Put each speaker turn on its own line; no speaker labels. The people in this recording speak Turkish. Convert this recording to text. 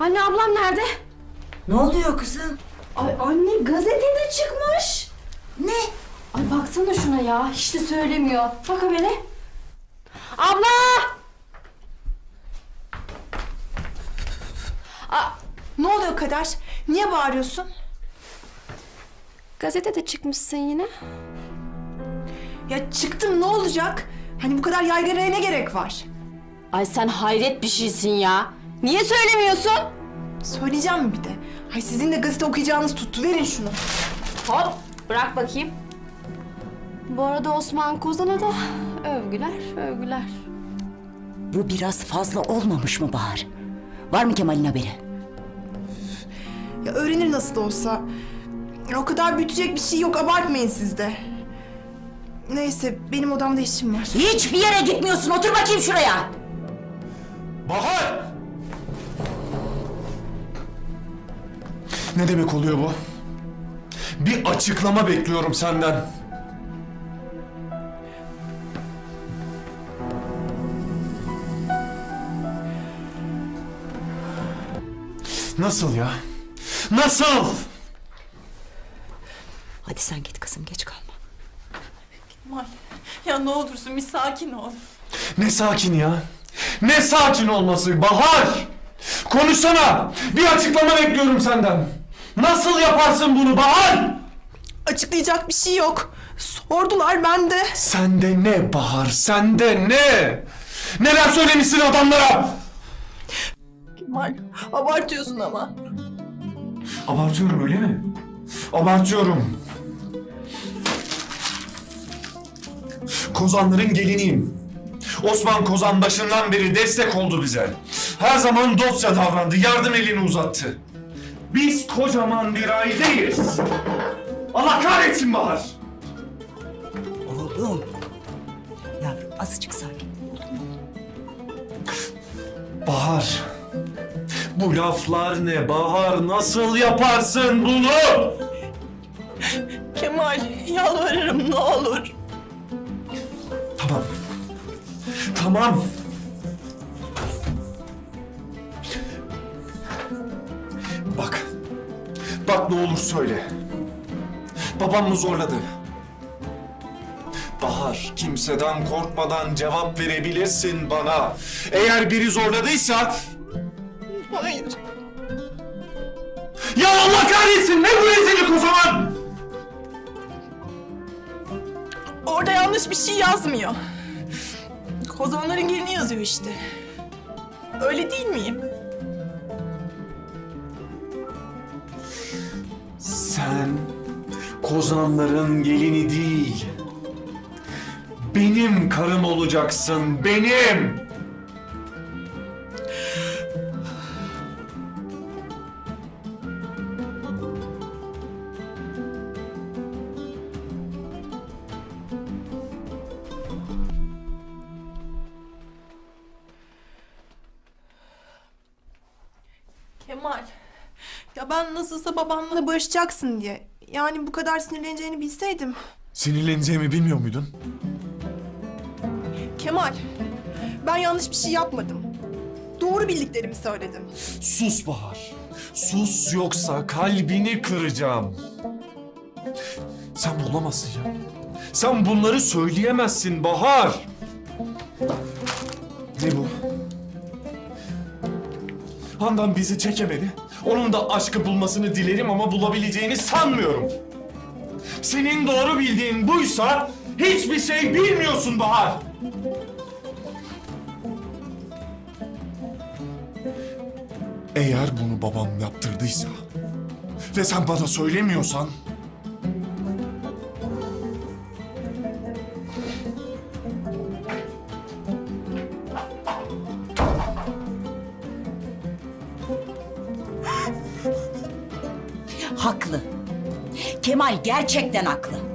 Anne ablam nerede?
Ne oluyor kızım?
Ay anne gazetede çıkmış.
Ne?
Ay baksana şuna ya. Hiç de söylemiyor. Bak habere. Abla!
Ne oluyor Kader? Niye bağırıyorsun?
Gazetede çıkmışsın yine.
Ya çıktım, ne olacak? Hani bu kadar yaygaraya ne gerek var?
Ay sen hayret bir şeysin ya. Niye söylemiyorsun?
Söyleyeceğim mi bir de? Hay sizin de gazete okuyacağınız tuttu. Verin şunu.
Hop bırak bakayım. Bu arada Osman Kozan'a da övgüler övgüler.
Bu biraz fazla olmamış mı Bahar? Var mı Kemal'in haberi?
Ya öğrenir nasıl da olsa. O kadar büyütecek bir şey yok. Abartmayın siz de. Neyse, benim odamda işim var.
Hiçbir yere gitmiyorsun. Otur bakayım şuraya.
Bahar! Ne demek oluyor bu? Bir açıklama bekliyorum senden. Nasıl ya? Nasıl?
Hadi sen git kızım, geç kalma.
Kemal, ya ne olursun bir sakin ol.
Ne sakin ya? Ne sakin olması Bahar? Konuşsana! Bir açıklama bekliyorum senden. Nasıl yaparsın bunu Bahar?
Açıklayacak bir şey yok. Sordular, ben de.
Sende ne Bahar? Sende ne? Neler söylemişsin adamlara?
Kemal, abartıyorsun ama.
Abartıyorum öyle mi? Abartıyorum. Kozanların geliniyim. Osman Kozan başından beri destek oldu bize. Her zaman dostça davrandı, yardım elini uzattı. Biz kocaman bir aileyiz. Allah kahretsin Bahar.
Oğlum. Yavrum azıcık sakin.
Bahar. Bu laflar ne Bahar? Nasıl yaparsın bunu?
Kemal, yalvarırım ne olur.
Tamam. Tamam. Bak. Bak ne olur söyle. Babam mı zorladı? Bahar, kimseden korkmadan cevap verebilirsin bana. Eğer biri zorladıysa...
Hayır.
Ya Allah kahretsin! Ne bu rezillik o zaman?
Orada yanlış bir şey yazmıyor. Kozanların gelini yazıyor işte. Öyle değil miyim?
Sen Kozanların gelini değil, benim karım olacaksın, benim!
Kemal. Ya ben nasılsa babamla barışacaksın diye. Yani bu kadar sinirleneceğini bilseydim.
Sinirleneceğimi bilmiyor muydun?
Kemal. Ben yanlış bir şey yapmadım. Doğru bildiklerimi söyledim.
Sus Bahar. Sus yoksa kalbini kıracağım. Sen bulamazsın ya. Sen bunları söyleyemezsin Bahar. Ne bu? Handan bizi çekemedi. Onun da aşkı bulmasını dilerim ama bulabileceğini sanmıyorum. Senin doğru bildiğin buysa hiçbir şey bilmiyorsun Bahar. Eğer bunu babam yaptırdıysa ve sen bana söylemiyorsan...
Haklı. Kemal gerçekten haklı.